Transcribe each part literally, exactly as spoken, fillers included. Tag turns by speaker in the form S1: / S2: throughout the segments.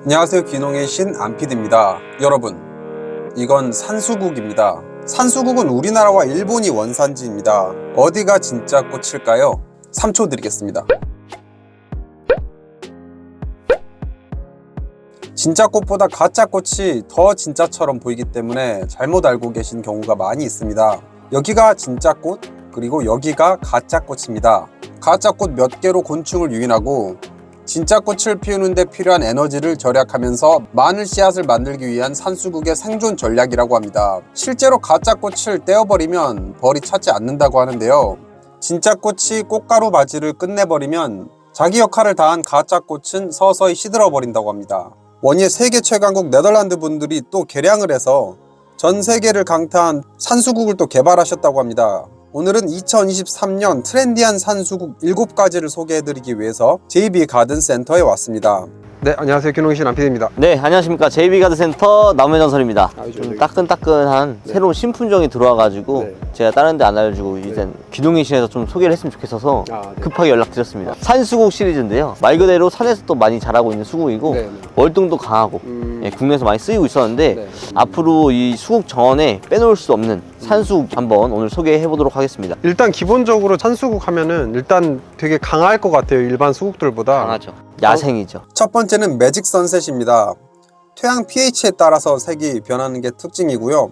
S1: 안녕하세요. 귀농의 신 안피디입니다. 여러분, 이건 산수국입니다. 산수국은 우리나라와 일본이 원산지입니다. 어디가 진짜 꽃일까요? 삼 초 드리겠습니다. 진짜 꽃보다 가짜 꽃이 더 진짜처럼 보이기 때문에 잘못 알고 계신 경우가 많이 있습니다. 여기가 진짜 꽃, 그리고 여기가 가짜 꽃입니다. 가짜 꽃 몇 개로 곤충을 유인하고 진짜 꽃을 피우는 데 필요한 에너지를 절약하면서 많은 씨앗을 만들기 위한 산수국의 생존 전략이라고 합니다. 실제로 가짜 꽃을 떼어버리면 벌이 차지 않는다고 하는데요. 진짜 꽃이 꽃가루 바지를 끝내버리면 자기 역할을 다한 가짜 꽃은 서서히 시들어버린다고 합니다. 원예 세계 최강국 네덜란드 분들이 또 개량을 해서 전 세계를 강타한 산수국을 또 개발하셨다고 합니다. 오늘은 이천이십삼 년 트렌디한 산수국 일곱 가지를 소개해드리기 위해서 제이비 가든센터에 왔습니다. 네, 안녕하세요. 귀농의 신 안피디입니다.
S2: 네, 안녕하십니까. 제이비 가든센터 남해전설입니다.
S1: 아,
S2: 좀 따끈따끈한
S1: 네.
S2: 새로운 신품종이 들어와가지고
S1: 네.
S2: 제가 다른 데 안 알려주고 일단 귀농의 신에서 좀 소개를 했으면 좋겠어서
S1: 아, 네.
S2: 급하게 연락드렸습니다. 산수국 시리즈인데요. 말 그대로 산에서 또 많이 자라고 있는 수국이고
S1: 네, 네.
S2: 월등도 강하고
S1: 음...
S2: 예, 국내에서 많이 쓰이고 있었는데
S1: 네.
S2: 앞으로 이 수국 정원에 빼놓을 수 없는 산수국 한번 오늘 소개해 보도록 하겠습니다.
S3: 일단 기본적으로 산수국 하면은 일단 되게 강할 것 같아요. 일반 수국들보다.
S2: 강하죠. 야생이죠.
S1: 첫 번째는 매직 선셋입니다. 토양 피에이치에 따라서 색이 변하는 게 특징이고요.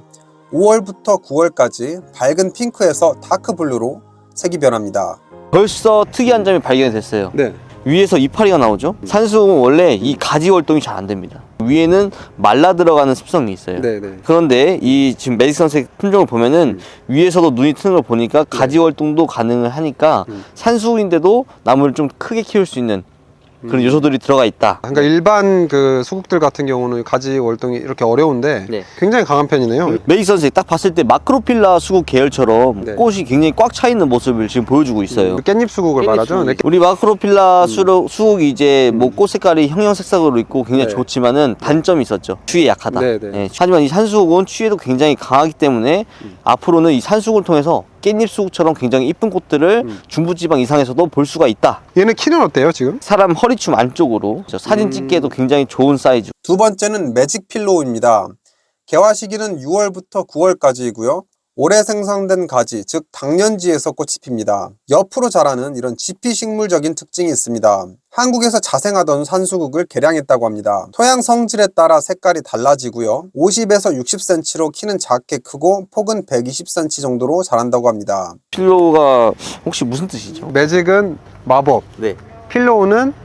S1: 오월부터 구월까지 밝은 핑크에서 다크 블루로 색이 변합니다.
S2: 벌써 특이한 점이 발견이 됐어요.
S1: 네.
S2: 위에서 이파리가 나오죠. 산수국은 원래 이 가지 활동이 잘 안 됩니다. 위에는 말라 들어가는 습성이 있어요.
S1: 네네. 그런데
S2: 그런데 이 지금 메디슨색 품종을 보면은 음. 위에서도 눈이 트는 걸 보니까 가지 활동도 가능을 하니까 음. 산수국인데도 나무를 좀 크게 키울 수 있는 그런 요소들이 들어가 있다.
S3: 그러니까 일반 그 수국들 같은 경우는 가지 월동이 이렇게 어려운데
S2: 네.
S3: 굉장히 강한 편이네요.
S2: 메디슨색 딱 봤을 때 마크로필라 수국 계열처럼
S3: 네.
S2: 꽃이 굉장히 꽉 차 있는 모습을 지금 보여주고 있어요.
S3: 깻잎 수국을 말하죠. 네.
S2: 우리 마크로필라 수록, 수국이 이제 뭐 꽃 색깔이 형형색색으로 있고 굉장히
S3: 네.
S2: 좋지만은 단점이 있었죠. 추위에 약하다.
S3: 네, 네.
S2: 예, 하지만 이 산수국은 추위에도 굉장히 강하기 때문에
S3: 음.
S2: 앞으로는 이 산수국을 통해서 깻잎 수국처럼 굉장히 이쁜 꽃들을
S3: 음.
S2: 중부지방 이상에서도 볼 수가 있다.
S3: 얘는 키는 어때요 지금?
S2: 사람 허리춤 안쪽으로 저 사진
S3: 음.
S2: 찍기에도 굉장히 좋은 사이즈.
S1: 두 번째는 매직 필로우입니다. 개화 시기는 유월부터 구월까지이고요. 올해 생성된 가지, 즉 당년지에서 꽃이 핍니다. 옆으로 자라는 이런 지피식물적인 특징이 있습니다. 한국에서 자생하던 산수국을 개량했다고 합니다. 토양 성질에 따라 색깔이 달라지고요. 오십에서 육십 센티미터로 키는 작게 크고 폭은 백이십 센티미터 정도로 자란다고 합니다.
S2: 필로가 혹시 무슨 뜻이죠?
S3: 매직은 마법,
S2: 네.
S3: 필로우는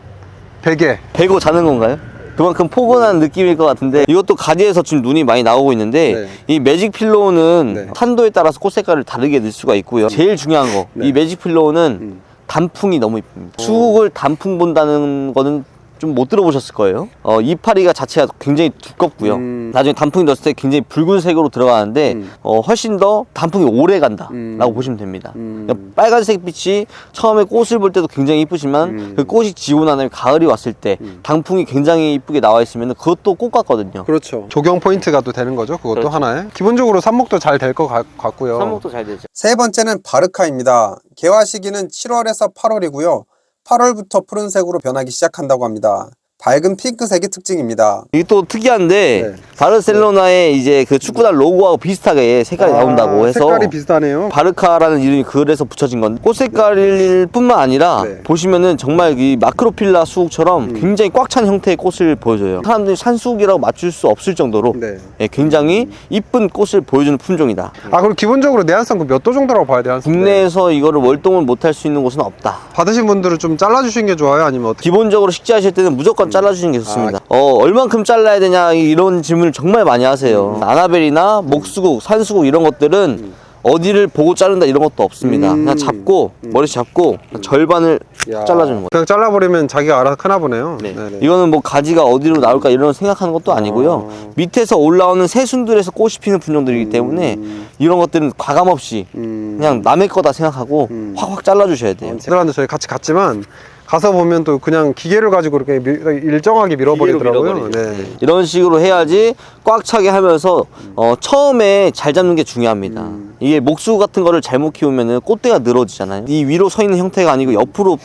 S3: 베개.
S2: 베고 자는 건가요? 그만큼 포근한 느낌일 것 같은데 이것도 가지에서 지금 눈이 많이 나오고 있는데
S1: 네.
S2: 이 매직 필로우는
S1: 네.
S2: 탄도에 따라서 꽃 색깔을 다르게 낼 수가 있고요. 제일 중요한 거,
S1: 네.
S2: 이 매직 필로우는
S1: 음.
S2: 단풍이 너무 이쁩니다. 수국을 단풍 본다는 거는 좀 못 들어보셨을 거예요. 어, 이파리가 자체가 굉장히 두껍고요.
S1: 음.
S2: 나중에 단풍이 넣었을 때 굉장히 붉은색으로 들어가는데
S1: 음.
S2: 어, 훨씬 더 단풍이 오래 간다
S1: 음.
S2: 라고 보시면 됩니다.
S1: 음.
S2: 그러니까 빨간색 빛이 처음에 꽃을 볼 때도 굉장히 이쁘지만
S1: 음.
S2: 그 꽃이 지고 난 다음에 가을이 왔을 때
S1: 음.
S2: 단풍이 굉장히 이쁘게 나와 있으면 그것도 꽃 같거든요.
S1: 그렇죠.
S3: 조경 포인트가 또 되는 거죠. 그것도
S2: 그렇죠.
S3: 하나에. 기본적으로 삽목도 잘 될 것 같고요.
S2: 삽목도 잘 되죠.
S1: 세 번째는 바르카입니다. 개화 시기는 칠월에서 팔월이고요. 팔월부터 푸른색으로 변하기 시작한다고 합니다. 밝은 핑크색이 특징입니다.
S2: 이게 또 특이한데
S1: 네.
S2: 바르셀로나의 이제 그 축구단 로고하고 비슷하게 색깔이
S3: 아,
S2: 나온다고 해서
S3: 색깔이 비슷하네요.
S2: 바르카라는 이름이 그래서 붙여진 건데 꽃 색깔일 뿐만 아니라
S1: 네.
S2: 보시면은 정말 이 마크로필라 수국처럼
S1: 음.
S2: 굉장히 꽉 찬 형태의 꽃을 보여줘요. 사람들이 산수국이라고 맞출 수 없을 정도로
S1: 네.
S2: 예, 굉장히 이쁜 꽃을 보여주는 품종이다.
S3: 아 그리고 기본적으로 내한성 몇 도 정도라고 봐야 돼요?
S2: 국내에서 이거를 월동을 못할 수 있는 곳은 없다.
S3: 받으신 분들은 좀 잘라주시는 게 좋아요? 아니면 어떻게?
S2: 기본적으로 식재하실 때는 무조건 잘라주시는 게 좋습니다. 어, 얼만큼 잘라야 되냐 이런 질문을 정말 많이 하세요. 아나벨이나 목수국, 산수국 이런 것들은 어디를 보고 자른다 이런 것도 없습니다.
S1: 음.
S2: 그냥 잡고 머리 잡고 절반을
S1: 야.
S2: 잘라주는 거예요.
S3: 그냥 잘라버리면 자기가 알아서 크나 보네요.
S2: 네.
S1: 네네.
S2: 이거는 뭐 가지가 어디로 나올까 이런 생각하는 것도 아니고요.
S1: 아.
S2: 밑에서 올라오는 새순들에서 꽃이 피는 품종들이기 때문에
S1: 음.
S2: 이런 것들은 과감 없이
S1: 음.
S2: 그냥 남의 거다 생각하고
S1: 음.
S2: 확확 잘라주셔야 돼요.
S3: 애들한테 저희 같이 갔지만 가서 보면 또 그냥 기계를 가지고 이렇게 밀- 일정하게 밀어버리더라고요.
S2: 밀어버리죠.
S3: 네.
S2: 이런 식으로 해야지 꽉 차게 하면서 어, 처음에 잘 잡는 게 중요합니다. 이게 목수 같은 거를 잘못 키우면은 꽃대가 늘어지잖아요. 이 위로 서 있는 형태가 아니고 옆으로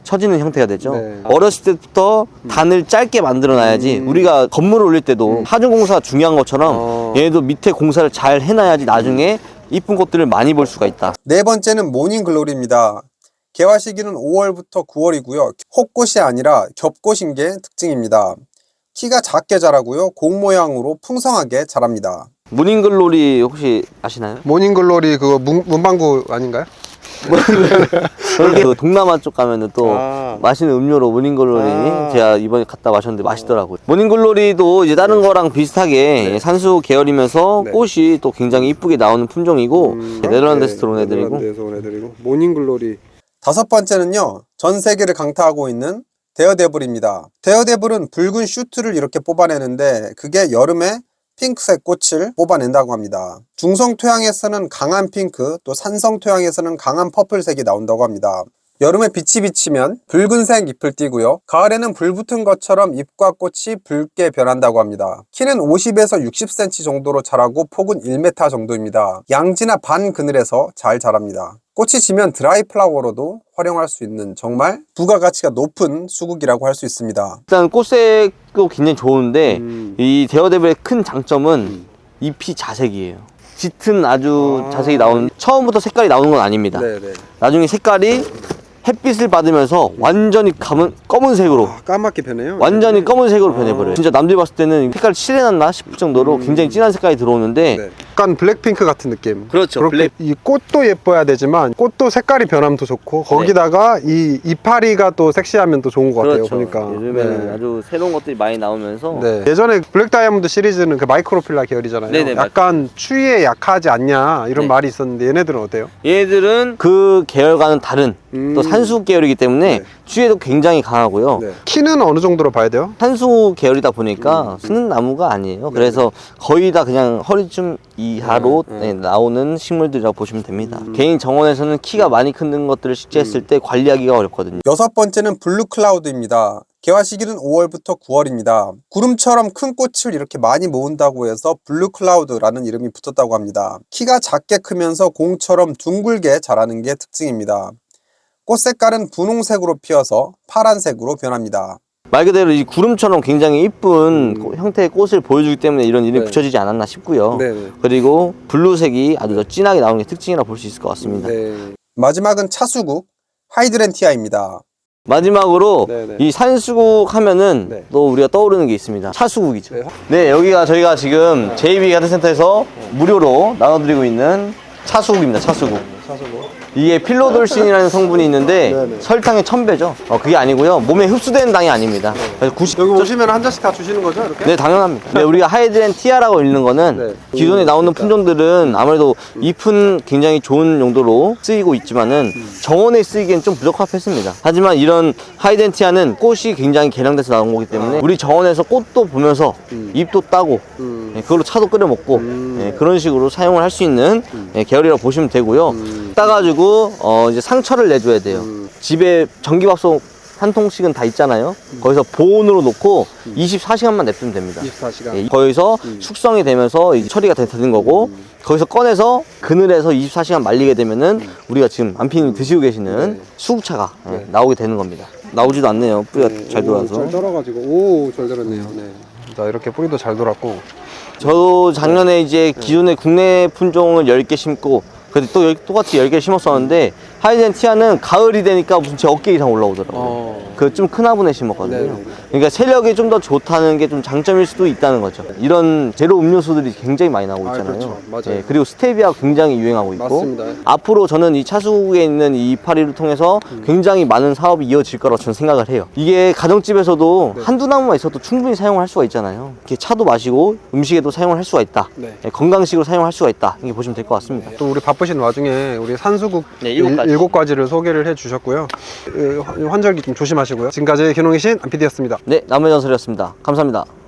S2: 처지는 형태가 되죠.
S3: 네.
S2: 어렸을 때부터 단을 짧게 만들어 놔야지
S3: 음.
S2: 우리가 건물을 올릴 때도 하중 공사 중요한 것처럼
S3: 어.
S2: 얘도 밑에 공사를 잘 해놔야지 나중에 이쁜 꽃들을 많이 볼 수가 있다.
S1: 네 번째는 모닝글로리입니다. 개화 시기는 오월부터 구월이고요. 혹꽃이 아니라 겹꽃인 게 특징입니다. 키가 작게 자라고요. 공 모양으로 풍성하게 자랍니다.
S2: 모닝글로리 혹시 아시나요?
S3: 모닝글로리 그거 문, 문방구 아닌가요?
S2: 그 동남아 쪽 가면은 또
S3: 아.
S2: 맛있는 음료로 모닝글로리
S3: 아.
S2: 제가 이번에 갔다 마셨는데 맛있더라고요. 모닝글로리도 이제 다른 거랑 비슷하게 산수 계열이면서
S3: 네.
S2: 꽃이 또 굉장히 이쁘게 나오는 품종이고
S3: 음.
S2: 네덜란드에서 들어온 애들이고
S3: 네덜란드에서 온 애들이고 모닝글로리.
S1: 다섯 번째는요. 전 세계를 강타하고 있는 데어데블입니다. 데어데블은 붉은 슈트를 이렇게 뽑아내는데 그게 여름에 핑크색 꽃을 뽑아낸다고 합니다. 중성 토양에서는 강한 핑크, 또 산성 토양에서는 강한 퍼플색이 나온다고 합니다. 여름에 빛이 비치면 붉은색 잎을 띠고요. 가을에는 불 붙은 것처럼 잎과 꽃이 붉게 변한다고 합니다. 키는 오십에서 육십 센티미터 정도로 자라고 폭은 일 미터 정도입니다. 양지나 반 그늘에서 잘 자랍니다. 꽃이 지면 드라이 플라워로도 활용할 수 있는 정말 부가가치가 높은 수국이라고 할 수 있습니다.
S2: 일단 꽃색도 굉장히 좋은데
S3: 음.
S2: 이 데어데블의 큰 장점은 잎이 자색이에요. 짙은 아주
S3: 아.
S2: 자색이 나오는 처음부터 색깔이 나오는 건 아닙니다.
S3: 네네.
S2: 나중에 색깔이 햇빛을 받으면서 완전히 검은, 검은색으로
S3: 아, 까맣게 변해요.
S2: 완전히
S3: 네.
S2: 검은색으로
S3: 아.
S2: 변해버려요. 진짜 남들이 봤을 때는 색깔 칠해놨나 싶을 정도로 굉장히 진한 색깔이 들어오는데
S3: 네. 약간 블랙핑크 같은 느낌.
S2: 그렇죠.
S3: 그렇게
S2: 블랙.
S3: 이 꽃도 예뻐야 되지만 꽃도 색깔이 변하면 좋고 거기다가 이 이파리가 또 섹시하면 또 좋은 것 같아요.
S2: 그렇죠.
S3: 보니까.
S2: 요즘에는
S3: 네.
S2: 아주 새로운 것들이 많이 나오면서
S3: 네. 예전에 블랙 다이아몬드 시리즈는 그 마이크로필라 계열이잖아요.
S2: 네네,
S3: 약간 추위에 약하지 않냐 이런
S2: 네.
S3: 말이 있었는데 얘네들은 어때요?
S2: 얘들은 그 계열과는 다른
S3: 음.
S2: 또 산수 계열이기 때문에
S3: 네.
S2: 추위에도 굉장히 강하고요.
S3: 네. 키는 어느 정도로 봐야 돼요?
S2: 산수 계열이다
S3: 음.
S2: 보니까 쓰는 나무가 아니에요. 그래서 거의 다 그냥 허리쯤 이하로
S3: 음, 음.
S2: 네, 나오는 식물들이라고 보시면 됩니다.
S3: 음.
S2: 개인 정원에서는 키가 많이 큰 것들을 식재했을 때 관리하기가 어렵거든요.
S1: 여섯 번째는 블루클라우드입니다. 개화 시기는 오월부터 구월입니다. 구름처럼 큰 꽃을 이렇게 많이 모은다고 해서 블루클라우드라는 이름이 붙었다고 합니다. 키가 작게 크면서 공처럼 둥글게 자라는 게 특징입니다. 꽃 색깔은 분홍색으로 피어서 파란색으로 변합니다.
S2: 말 그대로 이 구름처럼 굉장히 이쁜
S3: 음.
S2: 고- 형태의 꽃을 보여주기 때문에 이런 이름이
S3: 네.
S2: 붙여지지 않았나 싶고요.
S3: 네네.
S2: 그리고 블루색이 아주 더 진하게 나오는 게 특징이라 볼 수 있을 것 같습니다.
S3: 네.
S1: 마지막은 차수국 하이드렌티아입니다.
S2: 마지막으로
S3: 네네.
S2: 이 산수국 하면은
S3: 네.
S2: 또 우리가 떠오르는 게 있습니다. 차수국이죠.
S3: 네.
S2: 네, 여기가 저희가 지금 제이비 가든센터에서 무료로 나눠드리고 있는 차수국입니다. 차수국.
S3: 사서고.
S2: 이게 필로돌신이라는 성분이 있는데
S3: 네네.
S2: 설탕의 천 배죠. 어, 그게 아니고요. 몸에 흡수되는 당이 아닙니다. 그래서 구십
S3: 여기 오시면 한 잔씩 다 주시는 거죠, 이렇게?
S2: 네, 당연합니다. 근데 우리가 하이드렌티아라고 읽는 거는
S3: 네.
S2: 기존에 나오는
S3: 그러니까.
S2: 품종들은 아무래도 잎은 굉장히 좋은 용도로 쓰이고 있지만은 정원에 쓰이기엔 좀 부적합했습니다. 하지만 이런 하이드렌티아는 꽃이 굉장히 개량돼서 나온 거기 때문에 우리 정원에서 꽃도 보면서
S3: 음.
S2: 잎도 따고
S3: 음.
S2: 네, 그걸로 차도 끓여 먹고
S3: 음.
S2: 네, 그런 식으로 사용을 할 수 있는 네, 계열이라고 보시면 되고요.
S3: 음.
S2: 따가지고 어, 이제 상처를 내줘야 돼요.
S3: 음.
S2: 집에 전기밥솥 한 통씩은 다 있잖아요. 거기서 보온으로 놓고 이십사 시간만 냅두면 됩니다.
S3: 이십사 시간.
S2: 예, 거기서
S3: 음.
S2: 숙성이 되면서 이제 처리가 되- 되는 거고 거기서 꺼내서 그늘에서 이십사 시간 말리게 되면은 우리가 지금 안피님 드시고 계시는
S3: 네.
S2: 수국차가 예,
S3: 네.
S2: 나오게 되는 겁니다. 나오지도 않네요. 뿌리가
S3: 네.
S2: 잘
S3: 오,
S2: 돌아서.
S3: 잘 돌아가지고. 오, 잘 돌았네요. 네. 자, 이렇게 뿌리도 잘 돌았고.
S2: 저도 작년에 이제 기존의 국내 품종을 열 개 심고 그때 또 열- 똑같이 열 개 심었었는데 하이젠티아는 가을이 되니까 무슨 제 어깨 이상 올라오더라고요.
S3: 어.
S2: 그 좀 큰 화분에 심었거든요.
S3: 네네.
S2: 그러니까 세력이 좀 더 좋다는 게 좀 장점일 수도 있다는 거죠. 이런 제로 음료수들이 굉장히 많이 나오고
S3: 아,
S2: 있잖아요.
S3: 그렇죠. 맞아요.
S2: 예, 그리고 스테비아가 굉장히 유행하고 있고
S3: 맞습니다.
S2: 앞으로 저는 이 차수국에 있는 이 이파리를 통해서
S3: 음.
S2: 굉장히 많은 사업이 이어질 거라고 저는 생각을 해요. 이게 가정집에서도
S3: 네.
S2: 한두 나무만 있어도 충분히 사용을 할 수가 있잖아요. 이렇게 차도 마시고 음식에도 사용을 할 수가 있다.
S3: 네.
S2: 예, 건강식으로 사용할 수가 있다. 이렇게 보시면 될 것 같습니다.
S3: 또 우리 바쁘신 와중에 우리 산수국
S2: 네, 일곱 가지.
S3: 일, 일곱 가지를 소개를 해 주셨고요. 어, 환절기 좀 조심하시고요. 지금까지 기농이신 안피디였습니다.
S2: 네, 남의 전설이었습니다. 감사합니다.